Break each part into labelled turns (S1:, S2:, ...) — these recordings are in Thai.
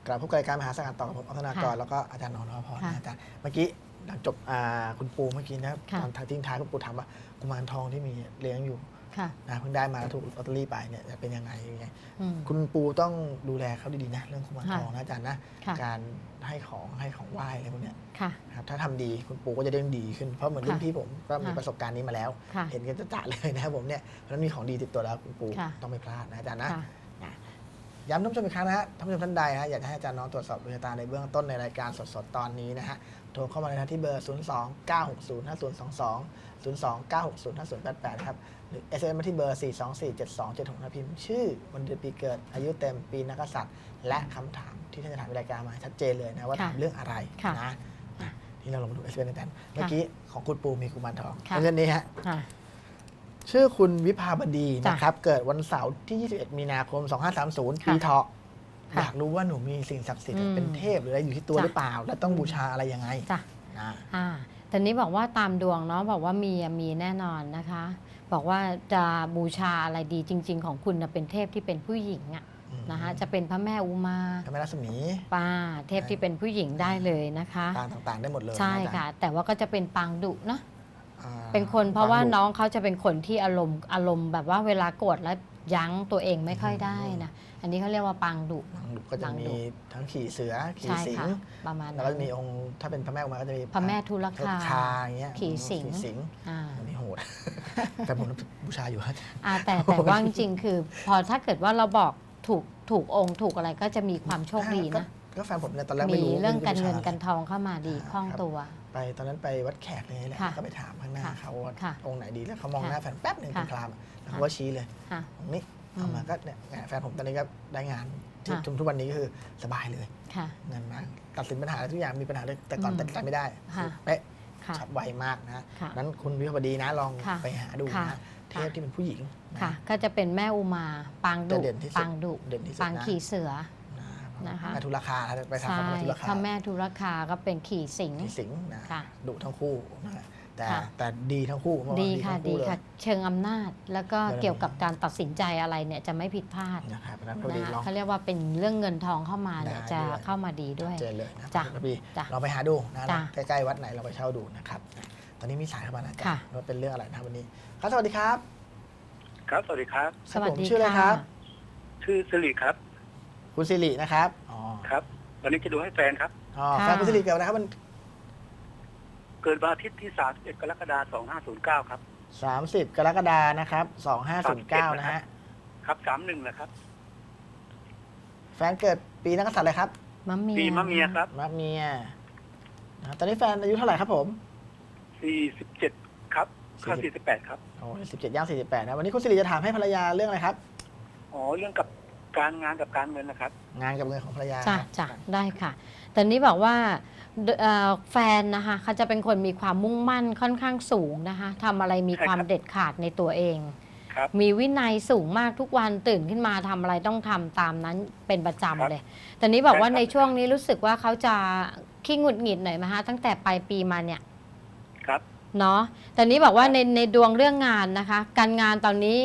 S1: ลับพบกับรายการมหาสังกัดต่อกับผมอัธนากรแล้วก็อาจารย์นนท์พรนะอาจารย์เมื่อกี้หลังจบคุณปูเมื่อกี้นะตอนทิ้งท้ายคุณปูถามว่ากุมารทองที่มีเลี้ยงอยู่นะเพิ่งได้มาแล้วถูกลอตเตอรี่ไปเนี่ยจะเป็นยังไงคุณปูต้องดูแลเขาดีๆนะเรื่องกุมารทองนะอาจารย์นะการให้ของไหว้อะไรพวกนี้ครับถ้าทำดีคุณปูก็จะได้ดีขึ้นเพราะเหมือนรุ่นพี่ผมก็มีประสบการณ์นี้มาแล้วเห็นกันจะเลยนะครับผมเนี่ยเพราะฉะนั้นมีของดีติดตัวแล้วคุณปูต้องไม่พลาดนะอาจารย์นะย้ำท่านผู้ชมอีกครั้งนะฮะท่านผู้ชมท่านใดนะอยากให้อาจารย์น้องตรวจสอบดวงชะตาในเบื้องต้นในรายการสดๆตอนนี้นะฮะโทรเข้ามาเลยนะที่เบอร์ 029605022 029605088 ครับหรือ SMS มาที่เบอร์ 4247276นะพิมพ์ชื่อวันเดือนปีเกิดอายุเต็มปีนักกษัตริย์และคำถามที่ท่านจะถามในรายการมาชัดเจนเลยนะว่าถามเรื่องอะไรนะที่เราลงมาดู SMS กันเมื่อกี้ของคุณปูมีกุมารทองเรื่องนี้ฮะชื่อคุณวิภาบดีนะครับเกิดวันเสาร์ที่ 21 มีนาคม 2530 ปีเถาะอยากรู้ว่าหนูมีสิ่งศักดิ์สิทธิ์เป็นเทพหรืออะไรอยู่ที่ตัวหรือเปล่าและต้องบูชาอะไรยังไง
S2: แต่นี้บอกว่าตามดวงเนาะบอกว่ามีแน่นอนนะคะบอกว่าจะบูชาอะไรดีจริงๆของคุณเป็นเทพที่เป็นผู้หญิงนะคะจะเป็นพระแม่อุมา
S1: พระแม่ลักษมี
S2: เทพที่เป็นผู้หญิงได้เลยนะคะ
S1: ปางต่างๆได้หมดเลย
S2: ใช่ค่ะแต่ว่าก็จะเป็นปางดุนะเป็นคนเพราะว่าน้องเขาจะเป็นคนที่อารมณ์แบบว่าเวลาโกรธแล้วยั้งตัวเองไม่ค่อยได้นะอันนี้เขาเรียกว่าปางดุ
S1: ก็จะมีทั้งขี่เสือขี่สิง
S2: ประมาณ
S1: แล้วก็มีองค์ถ้าเป็นพระแม่อุมาก็จะมี
S2: พระแม่ทุลคา
S1: เงี้ย
S2: ขี่สิง
S1: อันนี้โหดแต่ผมบูชาอยู่
S2: แต่ว่าจริงๆคือพอถ้าเกิดว่าเราบอกถูกองค์ถูกอะไรก็จะมีความโชคดีนะ
S1: ก็แฟนผมเนี่ยตอนแรกไม่รู้
S2: มีเรื่องการเงินการทองเข้ามาดีคล่องตัว
S1: ไปตอนนั้นไปวัดแขกเลยแหละก็ไปถามข้างหน้าเขาว่าองค์ไหนดีแล้วเขามองหน้าแฟนแป๊บหนึ่งเป็นคลามแล้วเขาก็ชี้เลยตรงนี้เอามาก็เนี่ยแฟนผมตอนนี้ก็ได้งานทุกวันนี้ก็คือสบายเลยเงินมาตัดสินปัญหาทุกอย่างมีปัญหาเลยแต่ก่อนตัดสินใจไม่ได้เป๊ะฉับไวมากนะนั้นคุณวิภาวดีนะลองไปหาดูนะเทพที่เป็นผู้หญิง
S2: ก็จะเป็นแม่อุมาปางดุปางขี่เสือ
S1: นะคะทุลคาไปทำพระทุลคา
S2: พระแม่ทุลคาก็เป็นขี่สิง
S1: นะดุทั้งคู่แต่ดีทั้งคู่
S2: ดีค่ะเชิงอำนาจแล้วก็เกี่ยวกับการตัดสินใจอะไรเนี่ยจะไม่ผิดพลาด
S1: นะครับ
S2: เขาเรียกว่าเป็นเรื่องเงินทองเข้ามาเนี่ยจะเข้ามาดีด้วย
S1: เจนเลยนะพี่เราไปหาดูนะใกล้ๆวัดไหนเราไปเช่าดูนะครับตอนนี้มีสายเข้ามานะจ๊ะว่าเป็นเรื่องอะไรนะวันนี้ครับสวัสดีครับ
S3: ครับสวัสดีครับ
S2: สวัสดี
S1: ชื่ออะไรครับ
S3: ชื่อสิริครับ
S1: คุณสิรินะครับ
S3: ครับวันนี้จะดูให้แฟนครับ
S1: แฟนคุณสิริเกิดนะครับมัน
S3: เกิดวันอาทิตย์ที่31 กรกฎาคม 2509ครับ
S1: 30 กรกฎาคมนะครับ2509นะฮะ
S3: ครับ31นะครับ
S1: แฟนเกิดปีนักกษัตริย์อะไรครับ
S3: ปีมะเมียครับ
S1: มะเมียตอนนี้แฟนอายุเท่าไหร่ครับผม
S3: 47ครับเข้า48ครับ
S1: 47ย่าง48นะวันนี้คุณสิริจะถามให้ภรรยาเรื่องอะไรครับ
S3: เรื่องกับการงานกับการเงินนะครับ
S1: งานกับเงินของภรรยา
S2: จ้ะได้ค่ะแต่นี้บอกว่าแฟนนะคะเขาจะเป็นคนมีความมุ่งมั่นค่อนข้างสูงนะคะทำอะไรมีความเด็ดขาดในตัวเองมีวินัยสูงมากทุกวันตื่นขึ้นมาทำอะไรต้องทำตามนั้นเป็นประจำเลยแต่นี้บอกว่าในช่วงนี้รู้สึกว่าเขาจะขี้หงุดหงิดหน่อยไหมคะตั้งแต่ปลายปีมาเนี่ย
S3: ครับ
S2: เนาะแต่นี้บอกว่าในดวงเรื่องงานนะคะการงานตอนนี้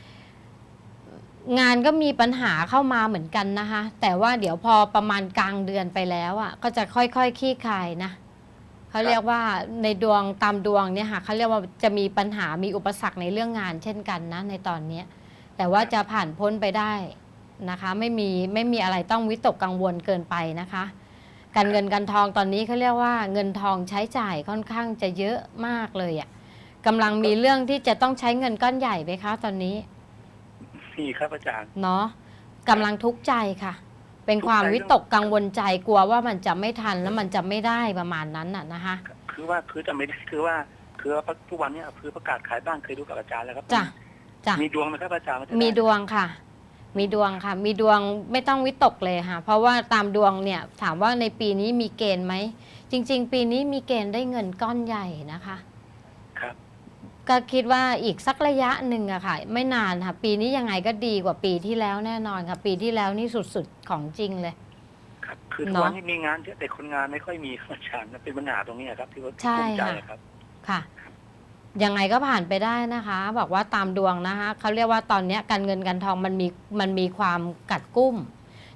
S2: งานก็มีปัญหาเข้ามาเหมือนกันนะคะแต่ว่าเดี๋ยวพอประมาณกลางเดือนไปแล้วอ่ะก็จะค่อยๆคลี่คลายนะเขาเรียกว่าในดวงตามดวงเนี่ยค่ะเขาเรียกว่าจะมีปัญหามีอุปสรรคในเรื่องงานเช่นกันนะในตอนนี้แต่ว่าจะผ่านพ้นไปได้นะคะไม่มีอะไรต้องวิตกกังวลเกินไปนะคะการเงินการทองตอนนี้เขาเรียกว่าเงินทองใช้จ่ายค่อนข้างจะเยอะมากเลยอ่ะกำลังมีเรื่องที่จะต้องใช้เงินก้อนใหญ่ไหมคะตอนนี้
S3: มีครับอาจารย์
S2: เนาะกำลังทุกข์ใจค่ะเป็นความวิตกกังวลใจกลัวว่ามันจะไม่ทันแล้วมันจะไม่ได้ประมาณนั้นน่ะนะคะ
S3: คือจะไม่ได้คือว่าทุกวันนี้คือประกาศขายบ้านเคยดูกับอาจารย์แล้วครับ
S2: จ้ะ
S3: มีดวงไหมครับอาจารย์
S2: มีดวงค่ะมีดวงค่ะมีดวงไม่ต้องวิตกเลยค่ะเพราะว่าตามดวงเนี่ยถามว่าในปีนี้มีเกณฑ์ไหมจริงๆปีนี้มีเกณฑ์ได้เงินก้อนใหญ่นะคะ
S3: ครับ
S2: ก็คิดว่าอีกสักระยะหนึ่งอะค่ะไม่นานค่ะปีนี้ยังไงก็ดีกว่าปีที่แล้วแน่นอนค่ะปีที่แล้วนี่สุดๆของจริงเลย
S3: ครับคือทุกวันนี้มีงานเยอะแต่คนงานไม่ค่อยมีอาจารย์เป็นปัญหาตรงนี้ครับที่ว่าภูมิใจครับ
S2: ค่ะยังไงก็ผ่านไปได้นะคะบอกว่าตามดวงนะคะเขาเรียกว่าตอนนี้การเงินการทองมันมีความกัดกุ้ม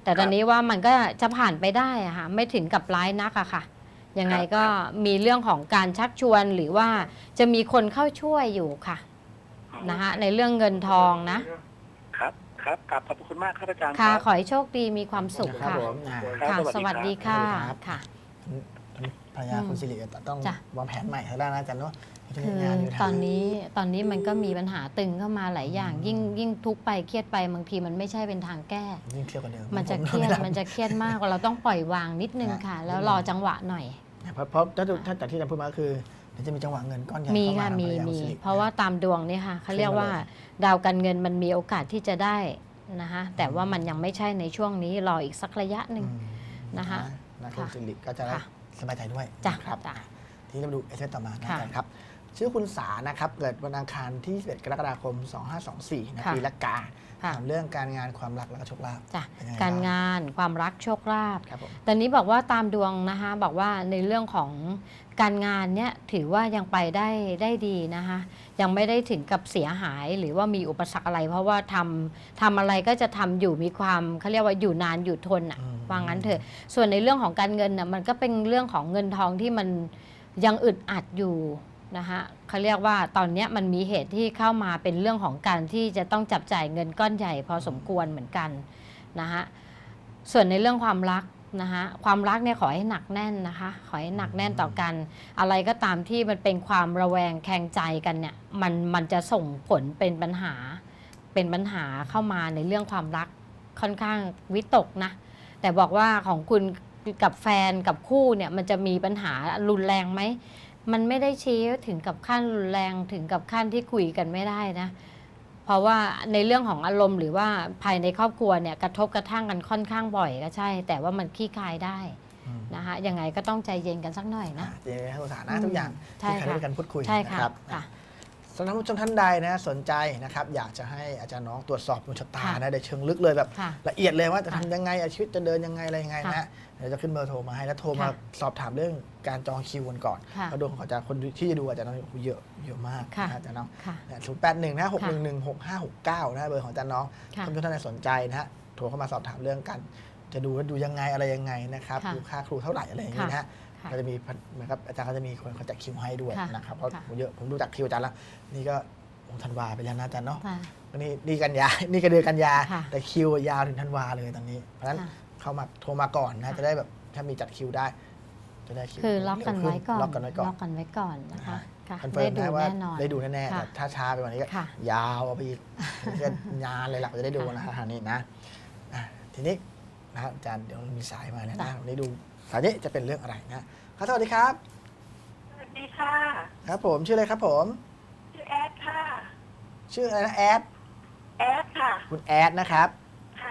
S2: แต่ตอนนี้ว่ามันก็จะผ่านไปได้อะค่ะไม่ถึงกับร้ายนักอะค่ะยังไงก็มีเรื่องของการชักชวนหรือว่าจะมีคนเข้าช่วยอยู่ค่ะนะคะในเรื่องเงินทองนะครับ
S3: กลับขอบคุณมากครับอาจารย์
S2: ค่ะ
S3: รับ
S2: ขอให้โชคดีมีความสุข
S1: ครับ
S2: ค่ะ
S1: ผม
S2: ค่ะ สวัสดีค่ะค่ะ
S1: ภรรยาคุณสิริต้องวางแผนใหม่ทางด้านนะอาจารย์เนาะ
S2: คือตอนนี้มันก็มีปัญหาตึงเข้ามาหลายอย่าง ยิ่งทุกข์ไปเครียดไปบางทีมันไม่ใช่เป็นทางแก้
S1: ยิ่งเครียดกว่าเดิม
S2: มันจะเครียดมันจะเครียดมากเราต้องปล่อยวางนิดนึงค่ะ แล้วรอจังหวะหน่อย
S1: เพราะถ้าจากที่อาจารย์พูดมาก็คือเดี๋ยวจะมีจังหวะเงินก้อนใหญ่
S2: มี
S1: เข้ามา
S2: ค่ะ
S1: ทางภร
S2: มี
S1: รยาคุณ
S2: มี
S1: สิริ
S2: เพราะว่าตามดวงเนี่ยค่ะเขาเรียกว่าดาวการเงินมันมีโอกาสที่จะได้นะคะแต่ว่ามันยังไม่ใช่ในช่วงนี้รออีกสักระยะหนึ่ง นะคะ
S1: นะคุณสิริก็จะได้
S2: ค่ะ
S1: สบายใจด้วย
S2: จ้ะ
S1: นะครับ
S2: จ้ะ
S1: ที่เราดูเอสเต่อมานะ
S2: ค่ะ
S1: อาจารย์ครับ ชื่อคุณสานะครับ เกิดวันอังคารที่ 11 กรกฎาคม 2524นะ
S2: ค่ะ
S1: ปีละกา
S2: ค่ะ
S1: ถามเรื่องการงานความรักและก็โชคลาภ
S2: จ้ะ
S1: เป็นยังไง
S2: การ
S1: บ้
S2: งานความรักโชคลาภ
S1: ครับผม
S2: ตอนนี้บอกว่าตามดวงนะคะบอกว่าในเรื่องของการงานเนี่ยถือว่ายังไปได้ดีนะคะยังไม่ได้ถึงกับเสียหายหรือว่ามีอุปสรรคอะไร เพราะว่าทำอะไรก็จะทำอยู่มีความเขาเรียกว่าอยู่นานอยู่ทนอ่ะว่างั้นเถอะส่วนในเรื่องของการเงินน่ะมันก็เป็นเรื่องของเงินทองที่มันยังอึดอัดอยู่นะคะเขาเรียกว่าตอนนี้มันมีเหตุที่เข้ามาเป็นเรื่องของการที่จะต้องจับจ่ายเงินก้อนใหญ่พอสมควรเหมือนกันนะคะส่วนในเรื่องความรักนะคะความรักเนี่ยขอให้หนักแน่นนะคะขอให้หนักแน่นต่อกัน อะไรก็ตามที่มันเป็นความระแวงแคลงใจกันเนี่ยมันจะส่งผลเป็นปัญหาเข้ามาในเรื่องความรักค่อนข้างวิตกนะแต่บอกว่าของคุณกับแฟนกับคู่เนี่ยมันจะมีปัญหารุนแรงไหมมันไม่ได้ชี้ถึงกับขั้นรุนแรงถึงกับขั้นที่คุยกันไม่ได้นะเพราะว่าในเรื่องของอารมณ์หรือว่าภายในครอบครัวเนี่ยกระทบกระทั่งกันค่อนข้างบ่อยก็ใช่ แต่ว่ามันคลี่คลายได้นะคะยังไงก็ต้องใจเย็นกันสักหน่อยนะ
S1: เจให้คุณสานะทุกอย่าง
S2: ใช่
S1: ที่ใคร
S2: ค่ะ
S1: ได้กันพูดคุย
S2: ใช่
S1: นะ
S2: ค่ะ
S1: ครับ
S2: ค่ะ
S1: สำหรับผู้ชมท่านใดนะสนใจนะครับอยากจะให้อาจารย์น้องตรวจสอบดวงชะตา
S2: ค่ะ
S1: นะในเชิงลึกเลยแบบ
S2: ค่ะ
S1: ละเอียดเลยว่าจะ
S2: ค่ะ
S1: ทำยังไงชีวิตจะเดินยังไงอะไรยังไง
S2: ค่ะ
S1: นะเดี๋ยวจะขึ้นเบอร์โทรมาให้แล้วโทรมา
S2: ค่ะ
S1: สอบถามเรื่องการจองคิวกันก่อน
S2: ค่ะ
S1: เพราะดวงของอาจารย์คนที่จะดูอาจารย์น้องเยอะมาก
S2: ค่ะ
S1: นะอาจารย์น้อง
S2: ค่ะ
S1: 081นะ6116569นะเบอร์ของอาจารย์น้อง
S2: ค่ะ
S1: ท่านผู้ชมท่านใดสนใจนะฮะโทรเข้ามาสอบถามเรื่องกันจะดูว่าดูยังไงอะไรยังไงนะครับ
S2: ค่ะ
S1: ดูค่าครูเท่าไหร่อะไรอย่างเงี้ยนะฮะ
S2: ค่ะ
S1: ก็จะมีเหมือนกับอาจารย์ก็จะมีคนเขาจัดคิวให้ด้วย
S2: ค่ะ
S1: นะครับเพราะ
S2: ค่ะ
S1: เยอะผมดูจากคิวอาจารย์แล้วนี่ก็ธันวาไปแล้วนะอาจารย์เนาะ
S2: ค่ะ
S1: นี่กันยา นี่ก็เดือนกันยา
S2: ค่ะ
S1: แต่คิวยาวถึงธันวาเลยตอนนี้ เพราะฉะนั้น
S2: ค่ะ
S1: เข้ามาโทรมาก่อนนะ
S2: ค่ะ
S1: จะได้แบบถ้ามีจัดคิวได้ จะได้คิว
S2: คือล็อกกันไว้ก่อน
S1: ล็อกกันไว้ก่อน
S2: ล็อกกันไว้ก่อนนะคะค่ะ
S1: คอนเฟิร์
S2: ได้
S1: ม
S2: ดู
S1: นะว่า
S2: แน่นอน
S1: ได้ดูแน่ๆ
S2: ค่ะ
S1: แต่ถ้าช้าไปกว่านี้ก็
S2: ค่ะ
S1: ยาวเอาไปอีกก็งานเลยหลักจะได้ดูนะฮะนี่นะทีนี้นะครับอาจารย์เดี๋ยวมีสายมาแล้วนะวันนี้ดูสายนี้จะเป็นเรื่องอะไรนะครับสวัสดีครับ
S4: สวัสดีค่ะ
S1: ครับผมชื่ออะไรครับผม
S4: ชื่อแอดค่ะ
S1: ชื่ออะไรนะแอด
S4: แอดค่ะ
S1: คุณแอดนะครับ
S4: ค่ะ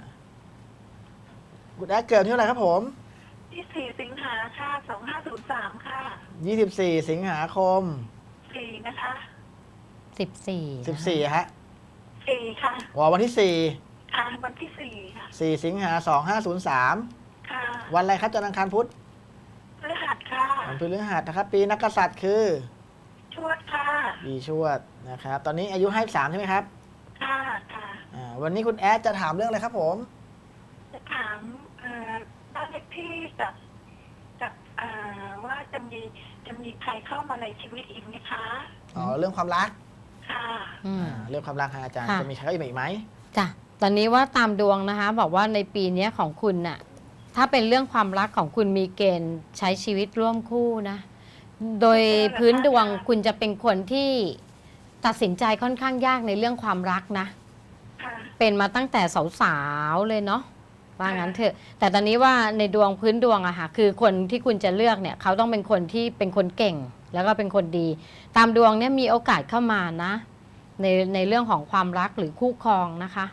S1: คุณแอดเกิดที่เท่าไหร่ครับผม
S4: ที่ 4 สิงหาค่ะ 2503 ค่ะ
S1: 24 สิงหาคม
S4: 4 นะคะ
S2: 14
S1: 14ฮะ
S4: 4 ค่ะ
S1: วันที่
S4: ค่ะ วันที่ 4 ค่ะ
S1: 4 4 สิงหา2503
S4: ค่ะ
S1: วันอะไรครับจันทร์อังคารพุธ
S4: พฤหัสค่ะ
S1: วันพฤหัสนะครับ ปีนักกษัตริย์คือ
S4: ชวดค่ะ
S1: ปีชวดนะครับ ตอนนี้อายุ53ใช่ไหมครับ
S4: ค่ะ ค่ะ
S1: วันนี้คุณแอดจะถามเรื่องอะไรครับผม
S4: จะถามบ้านเลขที่กับว่าจะมีใครเข้ามาในชีวิตอีกไหมคะ
S1: เรื่องความรัก
S4: ค่ะ
S1: เรื่องความรักครับอาจารย์
S2: ค่ะ
S1: จะมีใครเข้ามาอีกไหม
S2: จ้ะตอนนี้ว่าตามดวงนะคะ บอกว่าในปีนี้ของคุณน่ะถ้าเป็นเรื่องความรักของคุณมีเกณฑ์ใช้ชีวิตร่วมคู่นะ โดยพื้นดวงคุณจะเป็นคนที่ตัดสินใจค่อนข้างยากในเรื่องความรักนะ
S4: ค่ะ
S2: เป็นมาตั้งแต่สาวๆเลยเนาะว่างั้นเถอะแต่ตอนนี้ว่าในดวงพื้นดวงอะค่ะคือคนที่คุณจะเลือกเนี่ยเขาต้องเป็นคนที่เป็นคนเก่ง แล้วก็เป็นคนดี ตามดวงเนี่ยมีโอกาสเข้ามานะในเรื่องของความรักหรือคู่ครองนะคะ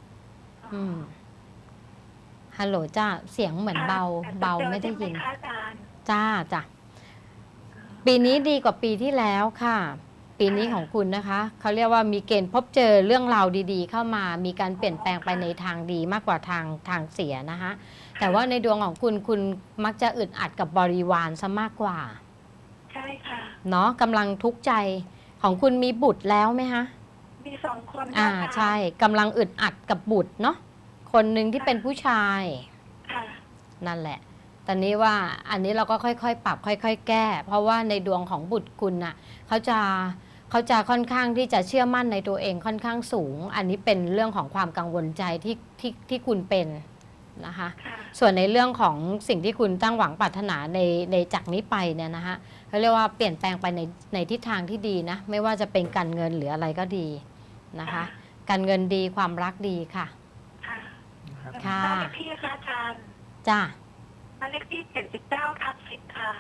S2: ฮัลโหลจ้าเสียงเหมือนเบาไม่ได้ยิน
S4: จะเจอใช่หคะอาจารย์
S2: จ้าปีนี้ดีกว่าปีที่แล้วค่ะ ปีนี้ของคุณนะคะเขาเรียกว่ามีเกณฑ์พบเจอเรื่องราวดีๆ เข้ามามีการเปลี่ยนแปลงไปในทางดีมากกว่าทางเสียนะคะแต่ว่าในดวงของคุณมักจะอึดอัดกับบริวารซะมากกว่า
S4: ใช่ค่ะ
S2: เนาะกำลังทุกข์ใจของคุณมีบุตรแล้วไหมคะ
S4: มี2 คน
S2: ใช่กำลังอึดอัดกับบุตรเนาะคนหนึ่งที่เป็นผู้ชาย
S4: ค่ะ
S2: นั่นแหละ ตอนนี้ว่าอันนี้เราก็ค่อยๆปรับค่อยๆแก้ เพราะว่าในดวงของบุตรคุณน่ะเขาจะค่อนข้างที่จะเชื่อมั่นในตัวเองค่อนข้างสูง อันนี้เป็นเรื่องของความกังวลใจที่คุณเป็นนะคะ
S4: ค่ะ
S2: ส่วนในเรื่องของสิ่งที่คุณตั้งหวังปรารถนาในจากนี้ไปเนี่ยนะคะเขาเรียกว่าเปลี่ยนแปลงไปในทิศทางที่ดีนะไม่ว่าจะเป็นการเงินหรืออะไรก็ดีนะคะ การเงินดีความรักดีค่ะ
S4: ค่ะ
S1: นะครับ
S2: ค่ะ
S4: บ้านเลขที่ค่ะอาจารย์
S2: จ้า
S4: บ้านเลขที่79/10ค่ะ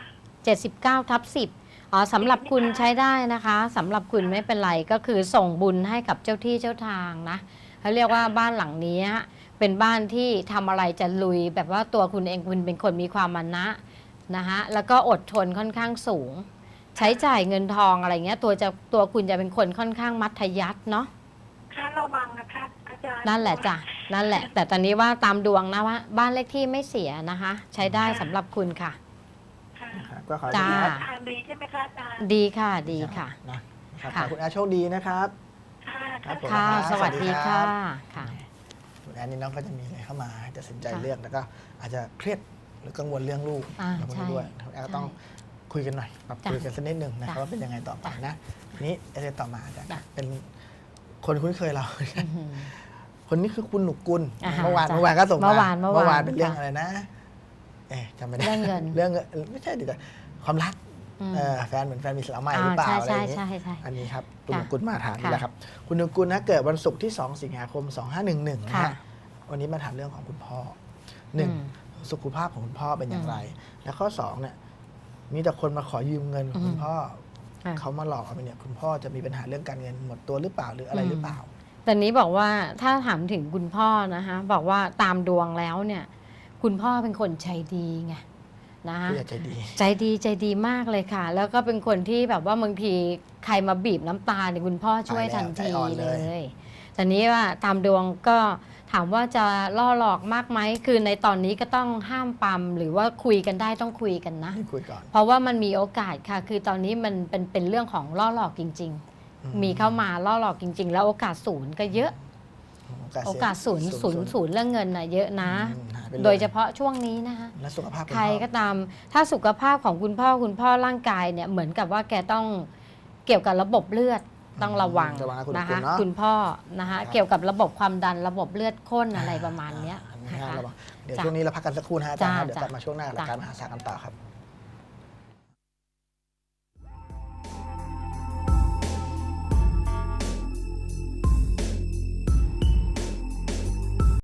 S2: 79/10อ๋อสำหรับคุณใช้ได้นะคะสำหรับคุณไม่เป็นไรก็คือส่งบุญให้กับเจ้าที่เจ้าทางนะเขาเรียกว่าบ้านหลังนี้เป็นบ้านที่ทำอะไรจะลุยแบบว่าตัวคุณเองคุณเป็นคนมีความมานะนะคะแล้วก็อดทนค่อนข้างสูง ใช้จ่ายเงินทองอะไรเงี้ยตัวคุณจะเป็นคนค่อนข้างมัธยัสถ์เนาะ
S4: ค่ะระวังนะคะอาจารย์
S2: นั่นแหละจ้ะนั่นแหละ แต่ตอนนี้ว่าตามดวงนะว่าบ้านเลขที่ไม่เสียนะคะ ใช้ได้สำหรับคุณค่ะ
S4: ค่ะ
S1: ครับก็ขอให้
S2: จ้า
S1: คุณแอด
S4: ทางดีใช่ไหมคะอาจารย์
S2: ดีค่ะดีค่ะ
S1: นะครับขอ
S2: ค่ะ
S1: ให้คุณแอดโชคดีนะครับ
S4: ค่ะ
S1: ครับผม
S2: ค่ะ
S1: ครับ
S2: สวัสดี
S1: สวัสดีครั
S2: ค่ะ
S1: บ
S2: ค่ะ
S1: คุณแอดนี่น้องก็จะมีอะไรเข้ามาให้ตัดสินใจ
S2: ค่ะ
S1: เลือกแล้วก็อาจจะเครียดหรือกังวลเรื่องลูก
S2: ใช่
S1: พวกนี้ด้วยคุณแอดก็ต้องคุยกันหน่อยปรับ
S2: จ้ะ
S1: คุยกันสักนิดหนึ่งนะครับ
S2: จ้ะ
S1: ว่าเป็นยังไงต่อไปนะทีนี้เอเดนต่อมาอาจารย์
S2: จ้ะ
S1: เป็นคนคุ้นเคยเรา
S2: อื้อหือ
S1: คนนี้คือคุณหนุกกุล
S2: อ่าฮะ
S1: เมื่อวาน
S2: จ้ะ
S1: เมื่อวานก็ส่งมา
S2: เมื่อวาน
S1: เป็นเรื่อง
S2: ค่ะ
S1: อะไรนะจำไม่ได้
S2: เรื่องเงิน
S1: เรื่องเงินไม่ใช่ดิแต่ความรัก
S2: อืม
S1: แฟนเหมือนแฟนมีสาวใหม่หรือเปล่าอะไรอย่างนี้
S2: ใช่ใช่
S1: อันนี้ครับคุณห
S2: ค่ะ
S1: นุกุลมาถามนี่
S2: ค่ะ
S1: แหละครับคุณหนุกุลนะเกิดวันศุกร์ที่ 2 สิงหาคม 2511นะ
S2: ค่ะ
S1: ฮะวันนี้มาถามเรื่องของคุณพ่อหนึ่ง
S2: อืม
S1: สุขภาพของคุณพ่อเป็นอย่างไร และข้อ2เนี่ยมีแต่คนมาขอยืมเงินของคุณพ่อ
S2: ค่ะ
S1: เขามาหลอกเอาไปเนี่ยคุณพ่อจะมีปัญหาเรื่องการเงินหมดตัวหรือเปล่าหรืออะไรหรือเปล่า
S2: ตอนนี้บอกว่าถ้าถามถึงคุณพ่อนะคะบอกว่าตามดวงแล้วเนี่ย คุณพ่อเป็นคนใจดีไงนะคะ
S1: ผู้ใหญ่ใจดี
S2: ใจดีมากเลยค่ะ แล้วก็เป็นคนที่แบบว่าบางทีใครมาบีบน้ำตาเนี่ยคุณพ่อช่วยทันที
S1: ใจอ่อน
S2: เล
S1: เลย
S2: ยแต่นี้ว่าตามดวงก็ถามว่าจะล่อหลอกมากไหมคือในตอนนี้ก็ต้องห้ามปั๊มหรือว่าคุยกันได้ต้องคุยกันนะ
S1: ให้คุยก่อน
S2: เพราะว่ามันมีโอกาสค่ะ คือตอนนี้มันเป็นเรื่องของล่อหลอกจริง ๆ มีเข้ามาล่อหลอกจริง ๆ แล้วโอกาสศูนย์ก็เยอะ โอกาสศูนย์เรื่องเงินน่ะเยอะนะ
S1: หายไปล
S2: โดยเฉพาะช่วงนี้นะคะ
S1: และสุขภาพคุณ
S2: ใคร
S1: พ่อ
S2: ก็ตามถ้าสุขภาพของคุณพ่อร่างกายเนี่ยเหมือนกับว่าแกต้องเกี่ยวกับระบบเลือดต้องระวัง
S1: ระวังนะคุณ
S2: นะคะ
S1: เนาะ
S2: คุณพ่อนะคะ
S1: ครับ
S2: เกี่ยวกับระบบความดันระบบเลือดข้นอะไรประมาณเนี้ย
S1: อัน
S2: นะ
S1: นี้
S2: คะ
S1: ระวังเดี๋ยว
S2: จ้ะ
S1: ช่วงนี้เราพักกันสักครู่นะฮะอาจารย์ครับเดี๋ยว
S2: จ้ะ
S1: กลับมาช่วงหน้าหลัก
S2: จ้ะ
S1: การมหาศาลกันต่อครับ